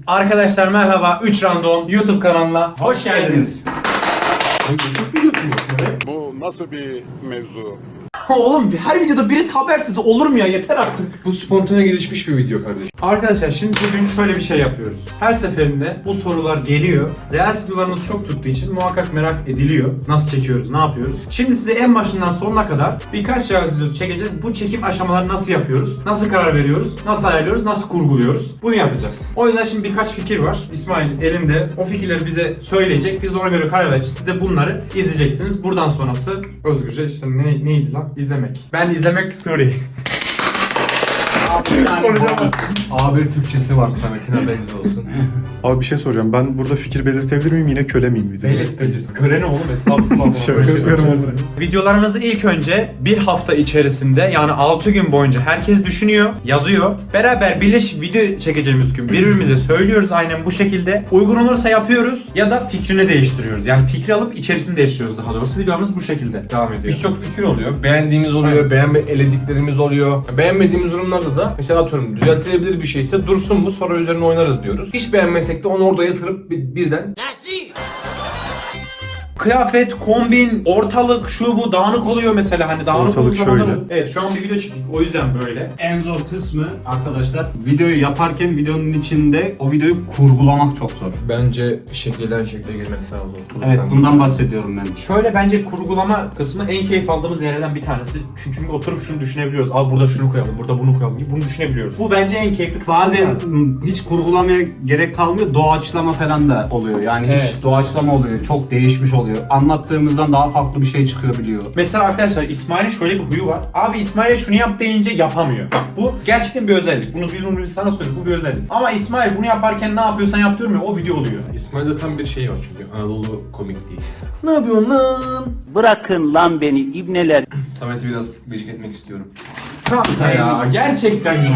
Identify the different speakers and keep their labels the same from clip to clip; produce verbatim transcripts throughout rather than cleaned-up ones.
Speaker 1: Arkadaşlar merhaba, üç Random YouTube kanalına hoş geldiniz.
Speaker 2: Bu nasıl bir mevzu?
Speaker 1: Oğlum her videoda birisi habersiz olur mu ya, yeter artık.
Speaker 3: Bu spontane gelişmiş bir video kardeşim.
Speaker 1: Arkadaşlar şimdi bugün şöyle bir şey yapıyoruz. Her seferinde bu sorular geliyor. Reels videolarımız çok tuttuğu için muhakkak merak ediliyor. Nasıl çekiyoruz, ne yapıyoruz? Şimdi size en başından sonuna kadar birkaç Reels videosu çekeceğiz. Bu çekim aşamaları nasıl yapıyoruz? Nasıl karar veriyoruz? Nasıl ayarlıyoruz? Nasıl kurguluyoruz? Bunu yapacağız. O yüzden şimdi birkaç fikir var. İsmail elinde. O fikirleri bize söyleyecek. Biz de ona göre karar vereceğiz. Siz de bunları izleyeceksiniz. Buradan sonrası özgürce işte ne, neydi lan? İzlemek. Ben izlemek Suri.
Speaker 3: Konuşamam. A bir Türkçesi var Samet'ine benzi olsun.
Speaker 4: Abi bir şey soracağım. Ben burada fikir belirtebilir miyim? Yine köle miyim videoda?
Speaker 3: Belit belit.
Speaker 1: Köle ne oğlum? Estağfurullah.
Speaker 4: Şöyle yapıyorum o zaman.
Speaker 1: Videolarımızı ilk önce bir hafta içerisinde, yani altı gün boyunca herkes düşünüyor, yazıyor. Beraber birleşip video çekeceğimiz gün birbirimize söylüyoruz aynen bu şekilde. Uygun olursa yapıyoruz ya da fikrini değiştiriyoruz. Yani fikri alıp içerisini değiştiriyoruz daha doğrusu. Videolarımız bu şekilde devam ediyor.
Speaker 3: Birçok fikir oluyor. Beğendiğimiz oluyor, beğenme elediklerimiz oluyor. Beğenmediğimiz durumlarda da mesela atıyorum düzeltilebilir bir şeyse dursun bu, sonra üzerine oynarız diyoruz. Hiç beğenmesek de onu orada yatırıp bir- birden
Speaker 1: Kıyafet, kombin, ortalık, şu bu dağınık oluyor mesela, hani dağınık
Speaker 4: Ortalık
Speaker 1: olduğu zamanlar-
Speaker 4: şöyle.
Speaker 1: Evet, şu an bir video çektik o yüzden böyle.
Speaker 5: En zor kısmı arkadaşlar, videoyu yaparken videonun içinde o videoyu kurgulamak çok zor.
Speaker 3: bence şekilden şekle girmek daha zor.
Speaker 5: Evet, bundan bahsediyorum ben.
Speaker 1: Şöyle bence kurgulama kısmı en keyif aldığımız yerlerden bir tanesi. Çünkü oturup şunu düşünebiliyoruz. Abi burada şunu koyalım, burada bunu koyalım gibi bunu düşünebiliyoruz. Bu bence en keyifli kısmı.
Speaker 5: Bazen ım, hiç kurgulamaya gerek kalmıyor, doğaçlama falan da oluyor. Yani
Speaker 1: Evet.
Speaker 5: hiç doğaçlama oluyor, çok değişmiş oluyor. Anlattığımızdan daha farklı bir şey çıkabiliyor.
Speaker 1: Mesela arkadaşlar İsmail'in şöyle bir huyu var. Abi İsmail'e şunu yap deyince yapamıyor. Bak bu gerçekten bir özellik. Bunu biz bunu biz sana söyledik. Bu bir özellik. Ama İsmail bunu yaparken ne yapıyorsan yap diyorum ya, o video oluyor.
Speaker 3: İsmail'de tam bir şey var çünkü Anadolu komikliği. Ne yapıyorsun lan?
Speaker 6: Bırakın lan beni ibneler.
Speaker 3: Samet'i biraz gıcık etmek istiyorum.
Speaker 1: Kanka ya gerçekten ya.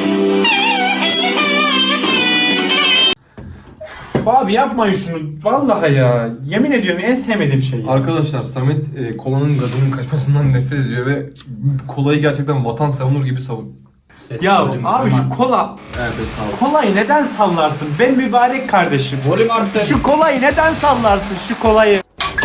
Speaker 1: Üf, abi yapmayın şunu. Vallahi ya. Yemin ediyorum en sevmediğim şey. Ya.
Speaker 3: Arkadaşlar Samet e, kolanın gazının kaçmasından nefret ediyor ve kolayı gerçekten vatan savunur gibi savun.
Speaker 1: Ya
Speaker 5: Volüm
Speaker 1: abi şu
Speaker 5: tamam.
Speaker 1: kola.
Speaker 3: Evet sağ ol.
Speaker 1: Kolayı neden sallarsın? Ben mübarek kardeşim.
Speaker 3: Volüm arttı.
Speaker 1: Şu kolayı neden sallarsın? Şu kolayı.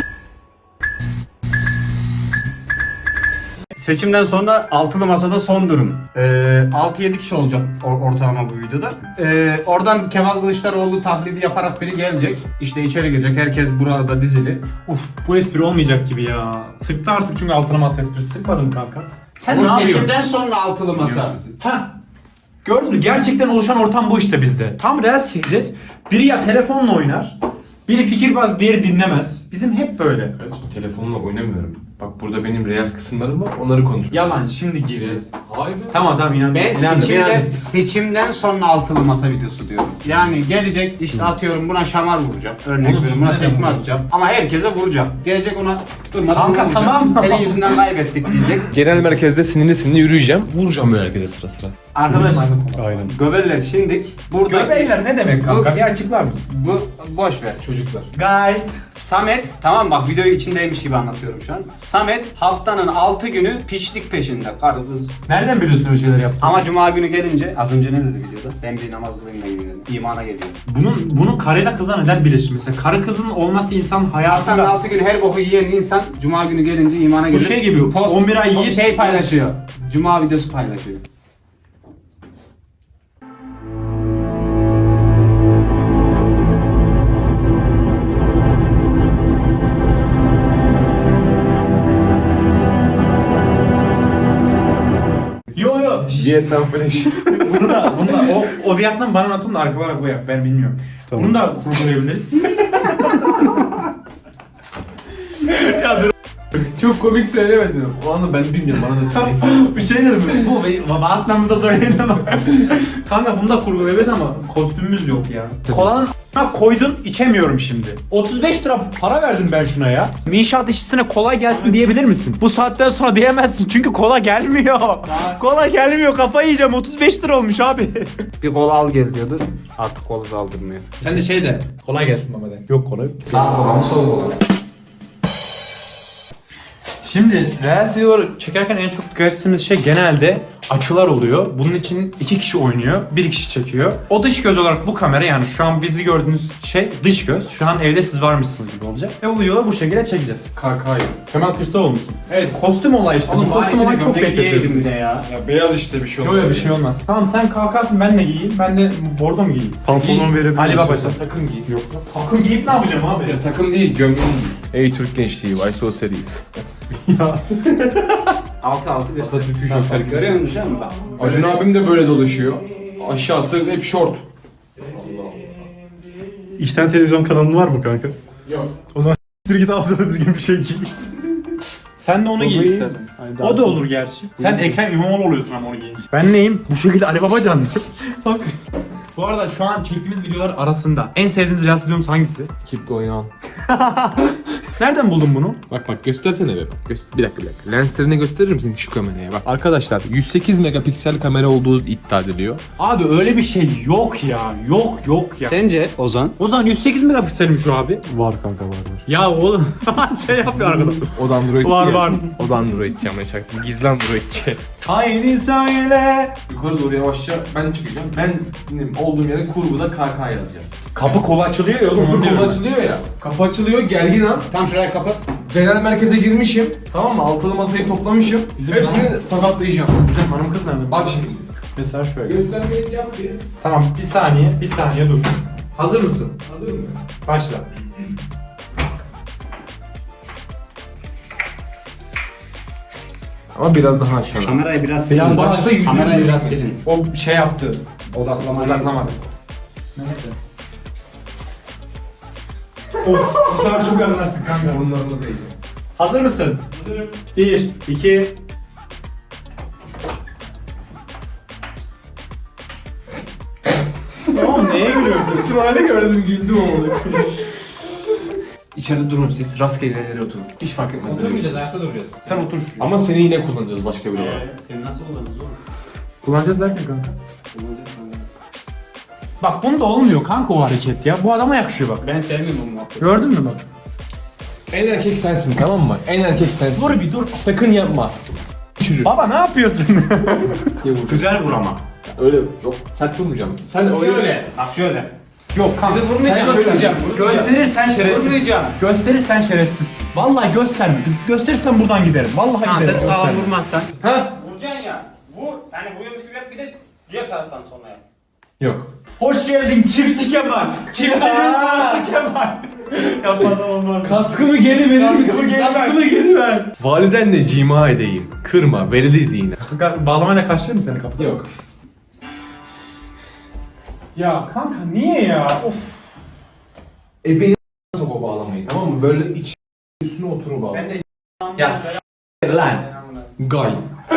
Speaker 5: Seçimden sonra altılı masada son durum. Ee, altı yedi kişi olacak or- ortalama bu videoda. Ee, oradan Kemal Kılıçdaroğlu taklidi yaparak biri gelecek. İşte içeri girecek. Herkes burada dizili.
Speaker 1: Uf, bu espri olmayacak gibi ya. Sıktı artık çünkü altına masa esprisi. Sıkmadın mı kanka? Sen ne
Speaker 5: Ama
Speaker 1: yapıyorsun?
Speaker 5: seçimden sonra altılı masa.
Speaker 1: Ha. Gördün mü? Gerçekten oluşan ortam bu işte bizde. Tam reels çekeceğiz. Biri ya telefonla oynar, biri fikirbaz, diğeri dinlemez. Bizim hep böyle.
Speaker 3: Kardeşim telefonla oynamıyorum. Bak burada benim reels kısımlarım var, onları konuşuyorum.
Speaker 1: Yalan şimdi gir.
Speaker 3: Reels. Hayır.
Speaker 1: Tamam tamam inandım.
Speaker 5: Ben
Speaker 1: inandım,
Speaker 5: seçimde,
Speaker 1: inandım.
Speaker 5: seçimden sonra altılı masa videosu diyorum. Yani gelecek işte atıyorum buna şamar vuracağım. Örnek
Speaker 1: Oğlum,
Speaker 5: veriyorum buna
Speaker 1: şimdi neden
Speaker 5: tekme
Speaker 1: vuruyorsun?
Speaker 5: atacağım. Ama herkese vuracağım. Gelecek ona durmadan
Speaker 1: Kanka,
Speaker 5: vuracağım.
Speaker 1: tamam.
Speaker 5: Senin yüzünden kaybettik diyecek.
Speaker 3: Genel merkezde sinirli sinirli yürüyeceğim. Vuracağım böyle herkese sıra sıra.
Speaker 5: Arkadaşlar
Speaker 4: Aynen.
Speaker 5: göbeller şimdik burada.
Speaker 1: Göbekler ne demek kanka? Bir açıklar mısın?
Speaker 5: Bu boş ver.
Speaker 3: Çocuklar.
Speaker 1: Guys.
Speaker 5: Samet, tamam bak videoyu içindeymiş gibi anlatıyorum şu an. Samet haftanın altı günü piçlik peşinde. Karı kız.
Speaker 1: Nereden biliyorsun öyle şeyler yaptığını?
Speaker 5: Ama cuma günü gelince az önce ne dedi videoda? Ben bir namaz kılayım da geliyorum. İmana geliyor.
Speaker 1: Bunun bunu karıyla kıza neden birleşir? Mesela karı kızın olması insan
Speaker 5: Haftanın
Speaker 1: hayatında
Speaker 5: altı günü her boku yiyen insan cuma günü gelince imana
Speaker 1: bu
Speaker 5: geliyor.
Speaker 1: şey gibi on bir ay yiyip
Speaker 5: şey paylaşıyor. Cuma videosu paylaşıyor.
Speaker 1: yo yo.
Speaker 3: Vietnam Flash.
Speaker 1: Bunu da, bunu da o, o Vietnam bana atın da arkalara koyak, ben bilmiyorum.
Speaker 4: Tamam.
Speaker 1: Bunu da kurgulayabiliriz.
Speaker 3: Çok komik söylemedim. O anda ben bilmiyorum, bana da söyleyin.
Speaker 1: Bir şey dedim, bu Vietnam'da söyleyin ama. Kanka bunu da kurgulayabiliriz ama kostümümüz yok ya. Kolanın a**ına koydun, içemiyorum şimdi. otuz beş lira para verdim ben şuna ya. İnşaat işçisine kolay gelsin diyebilir misin? Bu saatten sonra diyemezsin çünkü kola gelmiyor. Kola gelmiyor, kafayı yiyeceğim, otuz beş lira olmuş abi.
Speaker 5: Bir kola al gel diyordu. Artık kolu da aldırmıyor.
Speaker 1: Sen de şey de, kolay gelsin baba de. Yok kolay.
Speaker 3: Sağ kola mı sol kola mı?
Speaker 1: Şimdi Reels videoları çekerken en çok dikkat ettiğimiz şey genelde açılar oluyor. Bunun için iki kişi oynuyor, bir kişi çekiyor. O dış göz olarak bu kamera, yani şu an bizi gördüğünüz şey dış göz. Şu an evde siz varmışsınız gibi olacak. Ve bu videoda bu şekilde çekeceğiz.
Speaker 3: K K'yı.
Speaker 1: Kemal Kılıçdaroğlu musun? Evet, kostüm olayı işte. Bu kostüm olayı çok bekletiyor bizi.
Speaker 5: ya.
Speaker 4: Ya beyaz işte bir şey
Speaker 1: Yok yok bir şey olmaz. Tamam sen kalkarsın, ben de giyeyim. Ben de bordo mu giyeyim?
Speaker 4: Pantolon verebilir
Speaker 1: Ali
Speaker 4: misin?
Speaker 1: Babacan.
Speaker 3: Takım giy. Yok.
Speaker 1: Takım giyip ne yapacağım abi?
Speaker 3: Ya takım değil, gömleği giy. Ey Türk gençliği, Why So Serious.
Speaker 5: altı altı bir.
Speaker 3: Atatürk'ü şoför gibi.
Speaker 5: Görüyor musun canım bak.
Speaker 3: Acun abim de böyle dolaşıyor. Aşağısı hep short.
Speaker 4: İki tane televizyon kanalın var mı kanka?
Speaker 3: Yok.
Speaker 4: O zaman s**tir git altına düzgün bir şey giy.
Speaker 1: Sen de onu giy istersen. O da olur gerçi. Sen Ekrem İmamoğlu oluyorsun ama onu giyince. Ben neyim? Bu şekilde Ali Babacan. Bak. Bu arada şu an çektiğimiz videolar arasında en sevdiğiniz reels videomuz hangisi?
Speaker 3: Keep going on.
Speaker 1: Nereden buldun bunu?
Speaker 3: Bak bak göstersene be bak. Göster bir dakika bir dakika. Lenslerini gösterir misin şu kameraya? Bak arkadaşlar yüz sekiz megapiksel kamera olduğu iddia ediliyor.
Speaker 1: Abi öyle bir şey yok ya. Yok yok ya.
Speaker 5: Sence Ozan?
Speaker 1: O zaman yüz sekiz megapikselmiş o abi.
Speaker 4: Var kanka var var.
Speaker 1: Ya oğlum şey yapıyor arkadaş.
Speaker 3: O da Androidçi
Speaker 1: Var,
Speaker 3: ya.
Speaker 1: var.
Speaker 3: O da Androidçi ama çaktım. Gizli Androidçi.
Speaker 1: Haydi söyle.
Speaker 3: Yukarı doğru yavaşça ben çıkacağım. Ben benim olduğum yere kurguda K K yazacağız.
Speaker 1: Kapı kolu açılıyor ya oğlum.
Speaker 3: Kapı kolu açılıyor ya. Kapı açılıyor, gergin an.
Speaker 5: Tam şuraya kapat.
Speaker 3: Genel merkeze girmişim. Tamam mı? Altılı masayı toplamışım.
Speaker 1: Bizim
Speaker 3: Hepsini tokatlayacağım.
Speaker 1: Bizim hanım kız nerede?
Speaker 3: Bak şimdi.
Speaker 1: Mesela şöyle.
Speaker 3: Göstermeyi yap bir.
Speaker 1: Tamam bir saniye, bir saniye dur. Hazır mısın?
Speaker 3: Hazır mı?
Speaker 1: Başla.
Speaker 3: Ama biraz daha aşağı.
Speaker 5: Kamerayı biraz
Speaker 1: Biraz
Speaker 5: silin.
Speaker 1: başta yüzünü
Speaker 5: Kamerayı biraz
Speaker 1: gözükmesin.
Speaker 5: silin.
Speaker 1: O şey yaptı.
Speaker 5: Odaklamayı.
Speaker 1: Odaklamadı. Neyse. Of, bu sefer çok anlarsın kanka.
Speaker 3: Burunlarımız değdi.
Speaker 1: Hazır mısın? Hazırım. Bir, iki... Oğlum neye gülüyorsun?
Speaker 3: İsmail'i gördüm güldüm oğlum. İçeride durun siz rastgele yere oturun. Hiç fark etmez.
Speaker 5: Oturmayacağız, ayakta duracağız.
Speaker 1: Sen otur.
Speaker 3: Ama seni yine kullanacağız başka bir olarak.
Speaker 5: Seni nasıl kullanırız oğlum?
Speaker 1: Kullanacağız derken kanka. Bak bunda olmuyor kanka o hareket ya. Bu adama yakışıyor bak.
Speaker 5: Ben sevmiyorum bu muhabbeti.
Speaker 1: Gördün mü bak?
Speaker 3: En erkek sensin tamam mı? En erkek sensin.
Speaker 1: Dur bir dur.
Speaker 3: Sakın yapma. Çürür.
Speaker 1: Baba ne yapıyorsun?
Speaker 3: diye vur.
Speaker 1: Güzel vur ama.
Speaker 3: Öyle yok. Sert vurmayacağım. Sen öyle.
Speaker 5: Şöyle, bak şöyle.
Speaker 1: Yok kanka.
Speaker 3: Bir de vurmayacağım,
Speaker 1: Sen
Speaker 3: vurmayacağım.
Speaker 1: Gösterirsen şerefsiz.
Speaker 5: Vurmayacağım.
Speaker 1: Gösterirsen şerefsizsin. Vallahi gösterme. Gösterirsen buradan giderim. Vallahi
Speaker 5: Tamam
Speaker 1: giderim.
Speaker 5: sen sağlam
Speaker 1: gösterme.
Speaker 5: vurmazsan.
Speaker 3: Ha?
Speaker 5: Vuracaksın ya. Vur. Hani vuruyormuş gibi yap bir de diğer taraftan sonra yap.
Speaker 3: Yok.
Speaker 1: Hoş geldin çiftçi Kemal. Çiftçinin dostu Kemal. Yapmadan olmaz.
Speaker 3: Kaskımı geri verir misin?
Speaker 1: Kaskımı geri ver.
Speaker 3: Kaskımı geri ver. Validenle cima edeyim. Kırma, verili zina.
Speaker 1: Kanka bağlamayla kaçırır mı seni kapıda?
Speaker 3: Yok.
Speaker 1: Ya kanka niye ya? Of.
Speaker 3: E beni sok o bağlamayı tamam mı? Böyle iç üstüne oturur bağla.
Speaker 5: Ben de
Speaker 3: Ya s*** lan. Gay.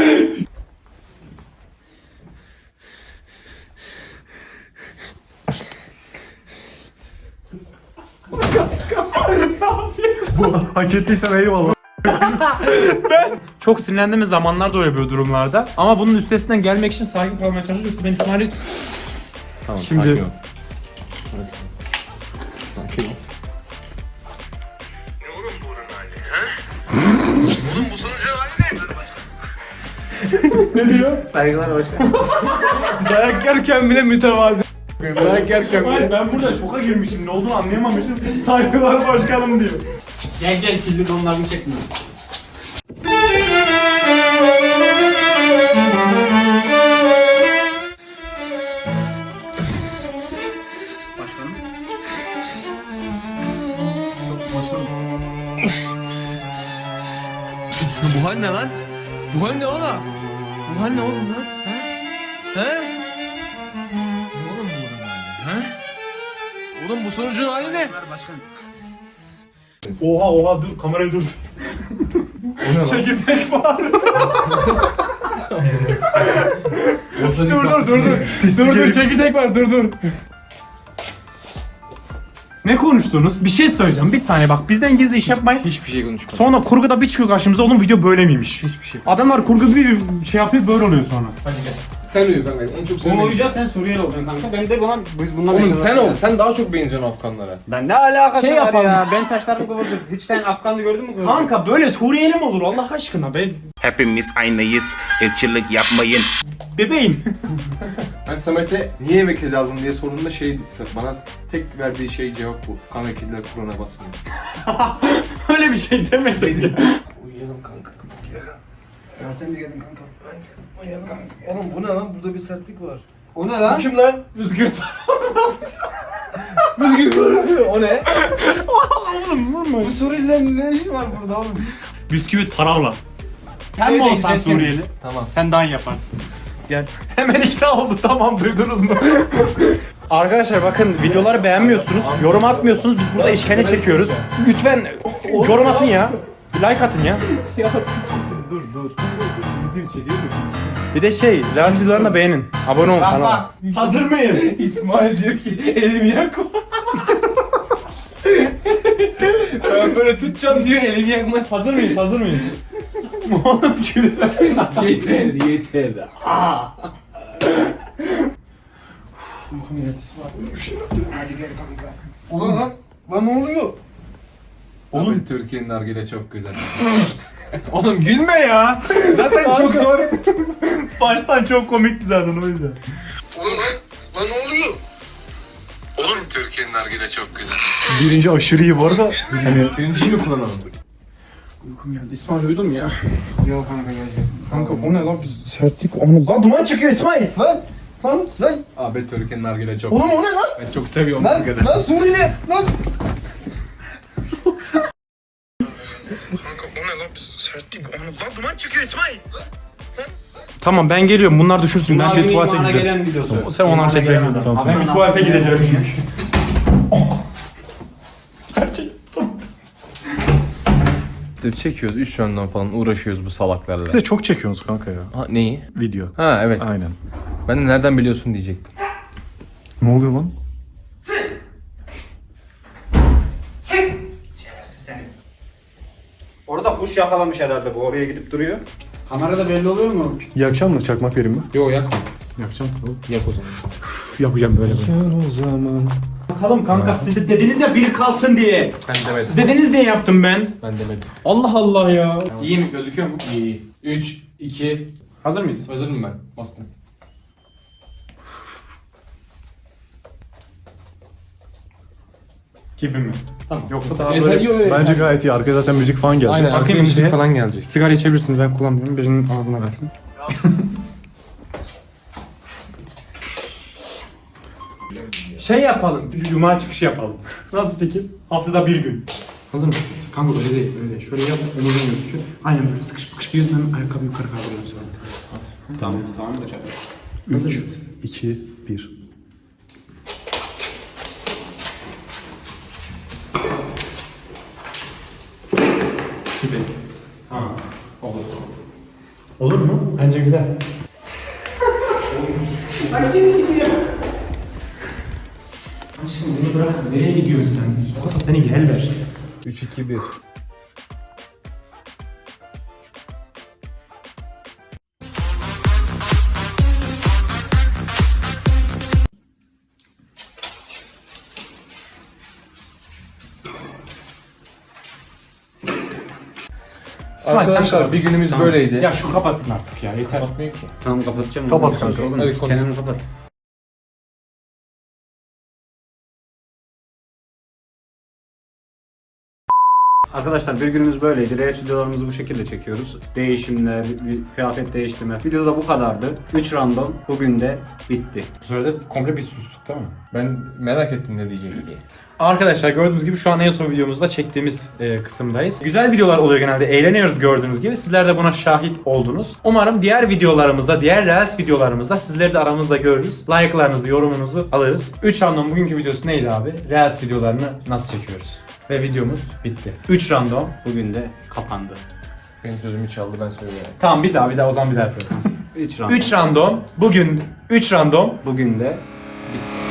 Speaker 4: Hak ettiysem eyvallah.
Speaker 1: Çok sinirlendiğimiz zamanlar da oluyor böyle durumlarda. Ama bunun üstesinden gelmek için sakin kalmaya çalışıyoruz. Ben İsmail'i...
Speaker 3: Tamam
Speaker 1: Şimdi-
Speaker 3: sakin ol. Sakin ol.
Speaker 5: saygılar başkanım.
Speaker 3: Dayak yerken bile mütevazi. Dayak yerken
Speaker 1: Hayır ben burada şoka girmişim. Ne olduğunu anlayamamışım. Saygılar başkanım diyor.
Speaker 5: Gel gel kirli donlarını çekme. Başkanım.
Speaker 3: Bu hal ne lan? Bu hal ne oğlum? Bu hal ne oğlum lan? He? He? Ne oğlum bu bunun hali? He? Oğlum bu sonucun hali ne?
Speaker 5: Başkanım.
Speaker 1: Oha oha dur kamerayı dur.
Speaker 3: O ne lan?
Speaker 1: Çekirdek var.
Speaker 3: Dur
Speaker 1: dur dur dur dur. Dur dur çekirdek var dur dur. Ne konuştunuz? Bir şey söyleyeceğim. Bir saniye bak bizden gizli iş yapmayın.
Speaker 3: Hiçbir şey konuşmadım.
Speaker 1: Sonra kurguda bir çıkıyor karşımıza oğlum video böyle miymiş?
Speaker 3: Hiçbir şey.
Speaker 1: Adamlar kurgu bir şey yapıyor böyle oluyor sonra.
Speaker 3: Hadi gel. Sen uyu kanka. En çok sen
Speaker 5: Bu
Speaker 3: uyu.
Speaker 5: uyuyacağız, sen Suriyeli olacaksın kanka. Ben de buna biz bundan
Speaker 3: Oğlum
Speaker 5: yaşadık
Speaker 3: sen
Speaker 5: ya.
Speaker 3: ol. Sen daha çok benziyorsun Afganlara.
Speaker 5: Ben ne alakası
Speaker 1: Şey
Speaker 5: var
Speaker 1: yapalım.
Speaker 5: ya? Ben saçlarım kıvırcık. Hiç sen Afganlı gördün mü?
Speaker 1: Kanka böyle Suriyeli mi olur Allah aşkına be?
Speaker 7: Hepimiz aynıyız. Irkçılık yapmayın.
Speaker 1: Bebeğim.
Speaker 3: Ben Samet'e niye eve kedi aldın diye sorduğumda şey bana tek verdiği şey cevap bu. Kan ve kediler Kur'an'a basmıyor.
Speaker 1: Öyle bir şey demedim ya.
Speaker 3: Uyuyalım kanka. Ya sen de geldin kanka. Ben geldim. Uyuyalım kanka. Oğlum bu ne lan? Burada bir sertlik var.
Speaker 5: O ne lan?
Speaker 3: Kim lan? Bisküvit. Bisküvit. O ne?
Speaker 1: Oğlum vurma.
Speaker 3: Bu Suriyelilerin ne işi var burada oğlum?
Speaker 1: Bisküvit paravla. Sen mi
Speaker 3: Evet,
Speaker 1: olsan
Speaker 3: izlesin.
Speaker 1: Suriyeli?
Speaker 3: Tamam.
Speaker 1: Sen daha iyi yaparsın. Gel. Hemen ikna oldu tamam duydunuz mu? Arkadaşlar bakın videoları beğenmiyorsunuz, yorum atmıyorsunuz. Biz burada işkence çekiyoruz. Lütfen yorum atın ya. Bir like atın ya.
Speaker 3: Dur dur. Video çekiyor mu?
Speaker 1: Bir de şey, Levent videolarını da beğenin. Abone olun kanala. Hazır mıyız?
Speaker 3: İsmail diyor ki elimi yakma. Ben böyle tutacağım diyor elimi yakmaz.
Speaker 1: Hazır mıyız? Hazır mıyız? Oğlum gülüyor.
Speaker 3: Yeter yeter. Ulan lan, lan ne oluyor? Oğlum Abi, Türkiye'nin nargile çok güzel.
Speaker 1: Oğlum gülme ya. Zaten çok zor. Baştan çok komikti zaten o yüzden.
Speaker 3: Ulan lan, lan ne oluyor? Oğlum Türkiye'nin nargile çok güzel.
Speaker 4: Birinci aşırı iyi bu arada. Hani
Speaker 3: Birinciyi mi kullanalım?
Speaker 1: Uykum geldi. İsmail uyudun mu ya?
Speaker 5: Yok kanka geldi.
Speaker 1: Kanka o ne lan biz sertlik onu. Lan duman çıkıyor İsmail.
Speaker 3: Lan, lan, lan. Abi Türkiye'nin nargile çok
Speaker 5: Oğlum o ne lan?
Speaker 3: Ben çok seviyorum
Speaker 5: Lan,
Speaker 3: nargile.
Speaker 5: lan Suriyeli! Lan!
Speaker 1: Tamam ben geliyorum. Bunlar düşünsün. Ben bir tuvalete gideceğim.
Speaker 5: Gelen videosu.
Speaker 1: Sen onları çek ben geliyorum. Tamam, ben bir tuvalete gideceğim çünkü.
Speaker 3: Çekiyoruz üç yönden falan uğraşıyoruz bu salaklarla.
Speaker 4: siz de çok çekiyorsunuz kanka ya.
Speaker 3: Ha, neyi?
Speaker 4: Video.
Speaker 3: Ha evet.
Speaker 4: Aynen.
Speaker 3: Ben de nereden biliyorsun diyecektim.
Speaker 4: Ne oluyor lan?
Speaker 5: Orada kuş yakalamış herhalde, bu oraya gidip duruyor. Kamerada belli oluyor mu?
Speaker 4: Yakacağım mı? Çakmak vereyim mi?
Speaker 3: Yo yakma.
Speaker 1: Yapacağım tabii.
Speaker 3: Yak o zaman.
Speaker 1: Üf, yapacağım böyle böyle.
Speaker 4: O zaman.
Speaker 1: Bakalım kanka siz de dediniz ya biri kalsın diye.
Speaker 3: Ben demedim.
Speaker 1: Siz dediniz diye yaptım ben.
Speaker 3: Ben demedim.
Speaker 1: Allah Allah ya. İyi mi? Gözüküyor mu?
Speaker 3: İyi. üç, iki,
Speaker 1: Hazır mıyız?
Speaker 3: hazırım ben. Bastım.
Speaker 1: Gibi mi?
Speaker 3: Tamam.
Speaker 1: Yoksa daha
Speaker 3: Yeter,
Speaker 1: böyle...
Speaker 3: iyi öyle.
Speaker 4: Bence gayet iyi. Arkaya zaten müzik falan geldi.
Speaker 3: Aynen.
Speaker 1: Bakayım
Speaker 3: Arkaya müzik
Speaker 1: işte.
Speaker 3: falan gelecek.
Speaker 1: Sigara içebilirsiniz ben kullanmıyorum. Birinin ağzına kalsın. Şey yapalım. Cuma çıkışı yapalım. Nasıl fikir? Haftada bir gün. Hazır mısınız? Kanka öyle değil, öyle değil. Şöyle yap, omuzun gözüküyor. Aynen böyle sıkış sıkış giyiyorsun, ben ayakkabı yukarı kaldırıyorum sonra. Hadi. Tamam, tamam da çabuk.
Speaker 4: üç, iki, bir.
Speaker 1: Gibi. Ha. Olur. Olur mu? Bence güzel. Bak yine gidiyor. Aşkım beni bırakın. Nereye gidiyorsun sen? Sokakta seni gel ver.
Speaker 3: üç, iki, bir.
Speaker 1: İsmail, sen
Speaker 3: Arkadaşlar
Speaker 1: kapat.
Speaker 3: bir günümüz
Speaker 1: Tamam.
Speaker 3: böyleydi.
Speaker 1: Ya şu kapatsın artık ya yeter.
Speaker 3: Kapatmıyor ki.
Speaker 5: Tamam kapatacağım.
Speaker 4: Kapat kanka.
Speaker 5: Oğlum,
Speaker 3: Hadi konuş.
Speaker 5: Kenan'ı kapat. Arkadaşlar bir günümüz böyleydi. Reels videolarımızı bu şekilde çekiyoruz. Değişimler, bir kıyafet değiştirme. Videoda bu kadardı. üç random bugün de bitti.
Speaker 1: Bu sırada komple bir sustuk değil mi?
Speaker 3: Ben merak ettim ne diyecek diye.
Speaker 1: Arkadaşlar gördüğünüz gibi şu an en son videomuzda çektiğimiz e, kısımdayız. Güzel videolar oluyor genelde. Eğleniyoruz gördüğünüz gibi. Sizler de buna şahit oldunuz. Umarım diğer videolarımızda, diğer Reels videolarımızda sizleri de aramızda görürüz. Like'larınızı, yorumunuzu alırız. üç random bugünkü videosu neydi abi? Reels videolarını nasıl çekiyoruz? Ve videomuz bitti. üç random.
Speaker 5: Bugün de kapandı.
Speaker 3: Benim sözümü çaldı ben söyleyeyim.
Speaker 1: Tamam bir daha bir daha o zaman bir daha yapalım.
Speaker 5: üç random.
Speaker 1: üç random. Bugün üç random.
Speaker 5: Bugün de bitti.